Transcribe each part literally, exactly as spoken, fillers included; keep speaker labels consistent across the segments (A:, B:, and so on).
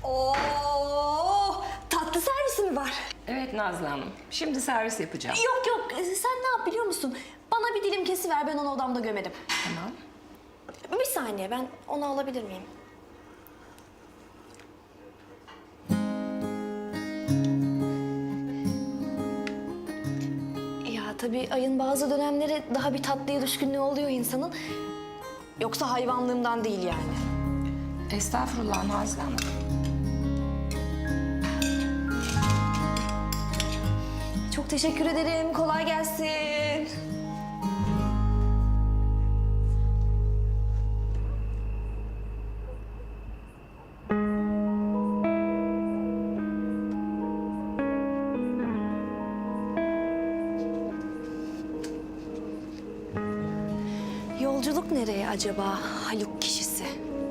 A: Oo, tatlı servisi mi var?
B: Evet Nazlı Hanım. Şimdi servis yapacağım.
A: Yok yok, sen ne yap biliyor musun? Bana bir dilim kesiver, ben onu odamda gömerim.
B: Tamam.
A: Bir saniye, ben onu alabilir miyim? Ya tabii ayın bazı dönemleri daha bir tatlıya düşkünlüğü oluyor insanın. Yoksa hayvanlığımdan değil yani.
B: Estağfurullah Nazlı Hanım.
A: Çok teşekkür ederim, kolay gelsin. Yolculuk nereye acaba Haluk kişisi?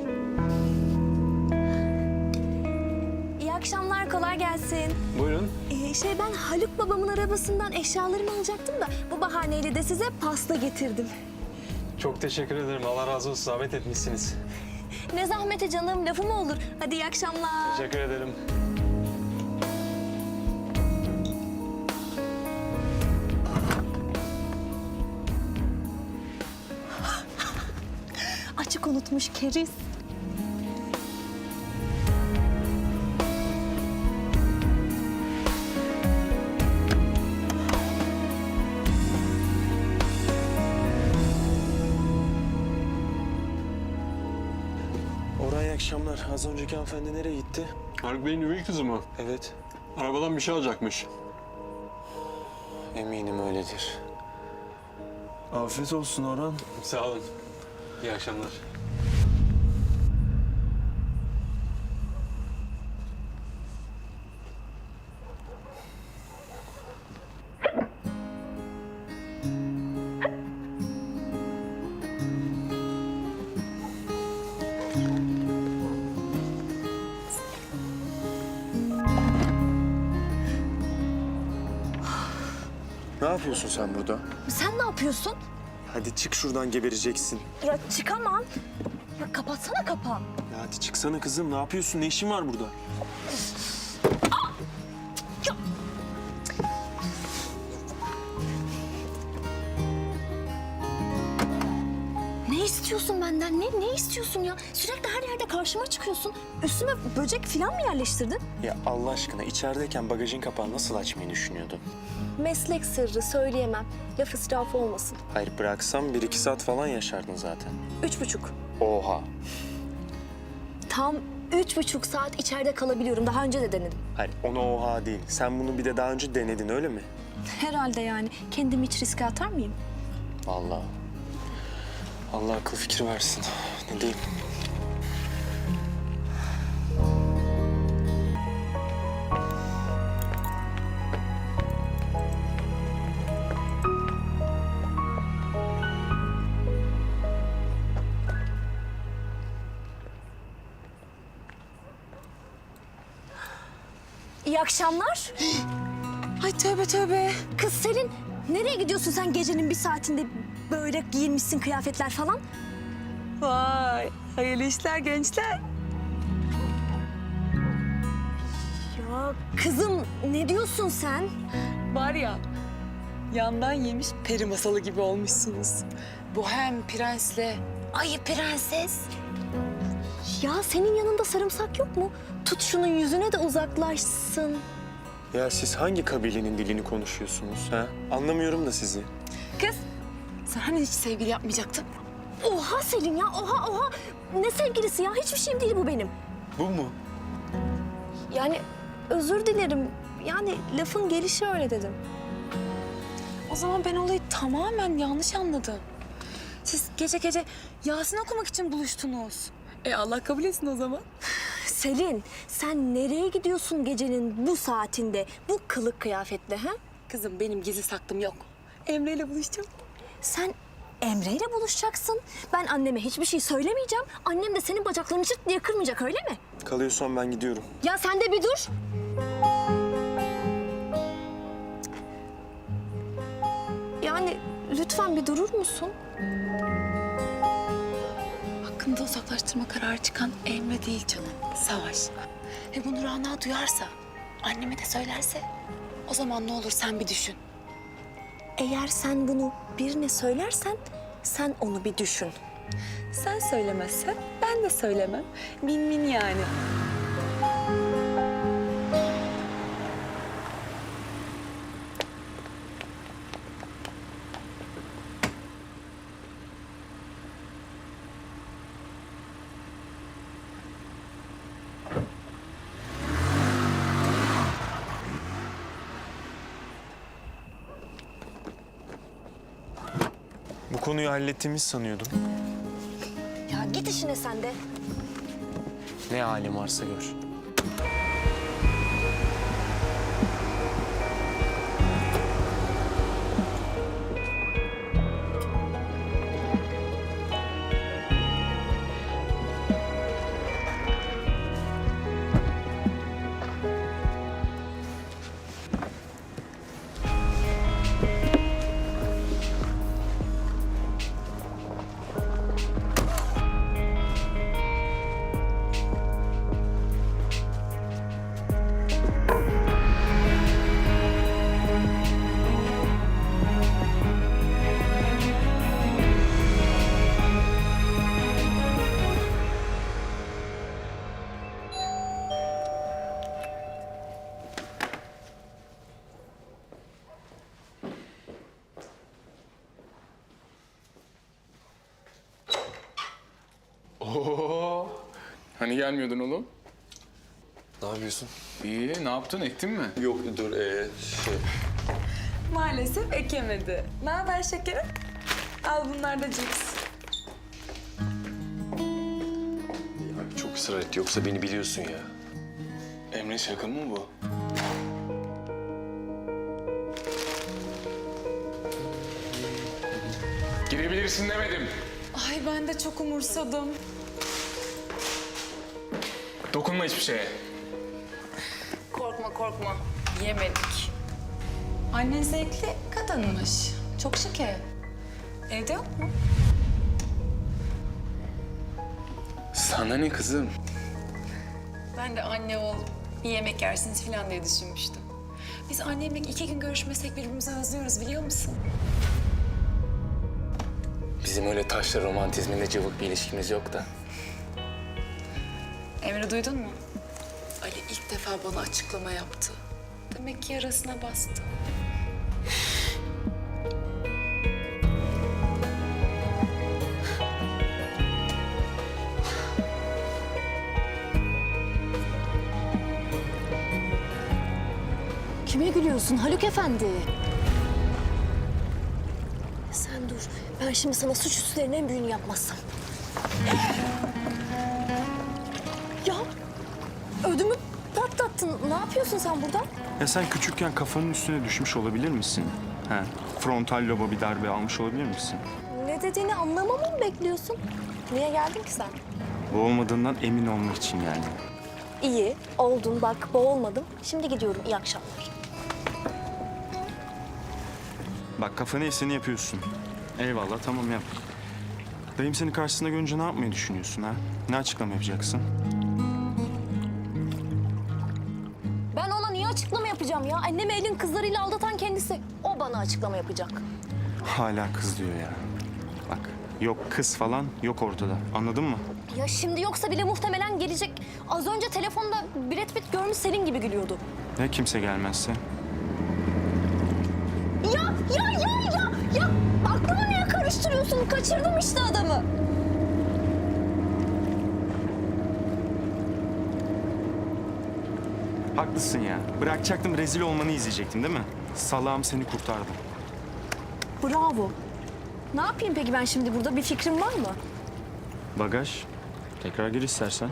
A: İyi akşamlar, kolay gelsin.
C: Buyurun.
A: Ee, şey ben Haluk babamın arabasından eşyalarımı alacaktım da bu bahaneyle de size pasta getirdim.
C: Çok teşekkür ederim. Allah razı olsun. Zahmet etmişsiniz.
A: Ne zahmeti canım, lafı mı olur? Hadi iyi akşamlar.
C: Teşekkür ederim.
A: Açık unutmuş keriz.
D: Orhan iyi akşamlar. Az önceki hanımefendi nereye gitti?
C: Haluk Bey'in üvey kızı mı?
D: Evet.
C: Arabadan bir şey alacakmış.
D: Eminim öyledir. Afiyet olsun Orhan.
C: Sağ olun. İyi akşamlar.
D: Ne yapıyorsun sen burada?
A: Sen ne yapıyorsun?
D: Hadi çık şuradan gebereceksin.
A: Ya çıkamam. Ya kapatsana kapağı.
D: Ya hadi çıksana kızım. Ne yapıyorsun? Ne işin var burada?
A: Ne istiyorsun benden? Ne ne istiyorsun ya? Sürekli her yerde karşıma çıkıyorsun. Üstüme böcek falan mı yerleştirdin?
D: Ya Allah aşkına içerideyken bagajın kapağını nasıl açmayı düşünüyordun?
A: Meslek sırrı söyleyemem. Laf israfı olmasın.
D: Hayır bıraksam bir iki saat falan yaşardın zaten.
A: Üç buçuk.
D: Oha.
A: Tam üç buçuk saat içeride kalabiliyorum. Daha önce de denedim.
D: Hayır ona oha değil. Sen bunu bir de daha önce denedin öyle mi?
A: Herhalde yani. Kendimi hiç riske atar mıyım?
D: Vallahi. Allah akıl fikir versin. Ne diyeyim?
A: İyi akşamlar. Ay tövbe tövbe. Kız Selin, nereye gidiyorsun sen gecenin bir saatinde böyle giyinmişsin kıyafetler falan?
E: Vay, hayırlı işler gençler.
A: Ya kızım ne diyorsun sen?
E: Var ya, yandan yemiş peri masalı gibi olmuşsunuz. Bu hem prensle ayı prenses.
A: Ya senin yanında sarımsak yok mu? Tut şunun yüzüne de uzaklaşsın.
D: Ya siz hangi kabilenin dilini konuşuyorsunuz ha? Anlamıyorum da sizi.
E: Kız, sen hani hiç sevgili yapmayacaktın?
A: Oha Selin ya, oha oha. Ne sevgilisi ya? Hiçbir şeyim değil bu benim.
D: Bu mu?
A: Yani özür dilerim. Yani lafın gelişi öyle dedim.
E: O zaman ben olayı tamamen yanlış anladım. Siz gece gece Yasin okumak için buluştunuz. E Allah kabul etsin o zaman.
A: Selin, sen nereye gidiyorsun gecenin bu saatinde, bu kılık kıyafetle ha?
E: Kızım benim gizli saklım yok. Emre ile buluşacağım.
A: Sen Emre ile buluşacaksın. Ben anneme hiçbir şey söylemeyeceğim. Annem de senin bacaklarını çıt diye kırmayacak, öyle mi?
D: Kalıyorsan ben gidiyorum.
A: Ya sen de bir dur. Yani lütfen bir durur musun?
E: Bak yakında uzaklaştırma kararı çıkan Emre değil canım, Savaş. Ve bunu Rana duyarsa, anneme de söylerse o zaman ne olur sen bir düşün.
A: Eğer sen bunu birine söylersen sen onu bir düşün.
E: Sen söylemezsen ben de söylemem. Min min yani.
D: Bu konuyu hallettiğimiz sanıyordum.
A: Ya git işine sen de.
D: Ne halin varsa gör.
F: Oo, hani gelmiyordun oğlum?
D: Ne yapıyorsun?
F: İyi, ne yaptın, ettin mi?
D: Yok dur ee, şey...
E: Maalesef ekemedi. Ne haber şekerim? Al bunlar da cips.
D: Ya çok ısrar etti yoksa beni biliyorsun ya.
F: Emre şaka mı bu? Girebilirsin demedim.
E: Ay ben de çok umursadım.
F: Dokunma hiçbir şeye.
E: Korkma korkma. Yemedik. Annen zevkli kadınmış. Çok şeker. Evde yok mu?
F: Sana ne kızım?
E: Ben de anne ol, bir yemek yersiniz falan diye düşünmüştüm. Biz annemle iki gün görüşmesek birbirimizi özlüyoruz biliyor musun?
F: Bizim öyle taşla romantizminde cıvık bir ilişkimiz yok da.
E: Emre duydun mu? Ali ilk defa bana açıklama yaptı. Demek ki yarasına bastı.
A: Kime gülüyorsun Haluk Efendi? Sen dur. Ben şimdi sana suç üstlerinin en büyüğünü yapmazsam. Ya ödümü patlattın. Ne yapıyorsun sen burada?
G: Ya sen küçükken kafanın üstüne düşmüş olabilir misin? He, frontal loba bir darbe almış olabilir misin?
A: Ne dediğini anlamamı mı bekliyorsun? Niye geldin ki sen?
G: Bu olmadığından emin olmak için geldim.
A: İyi, oldun bak boğulmadım. Şimdi gidiyorum, iyi akşamlar.
G: Bak kafanı eseni yapıyorsun. Eyvallah tamam yap. Dayım seni karşısında görünce ne yapmayı düşünüyorsun ha? Ne açıklama yapacaksın?
A: Ben ona niye açıklama yapacağım ya? Annemi elin kızlarıyla aldatan kendisi. O bana açıklama yapacak.
G: Hala kız diyor ya. Bak yok kız falan yok ortada. Anladın mı?
A: Ya şimdi yoksa bile muhtemelen gelecek. Az önce telefonda Brad Pitt görmüş senin gibi gülüyordu.
G: Ya kimse gelmezse?
A: Ya ya ya ya ya aklımı niye karıştırıyorsun? Kaçırdım işte adamı.
G: Haklısın ya. Bırakacaktım rezil olmanı izleyecektim değil mi? Salağım seni kurtardım.
A: Bravo. Ne yapayım peki ben şimdi burada? Bir fikrin var mı?
G: Bagaj. Tekrar gir istersen.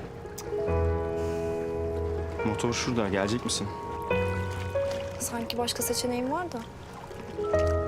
G: Motor şurada. Gelecek misin?
A: Sanki başka seçeneğim var da.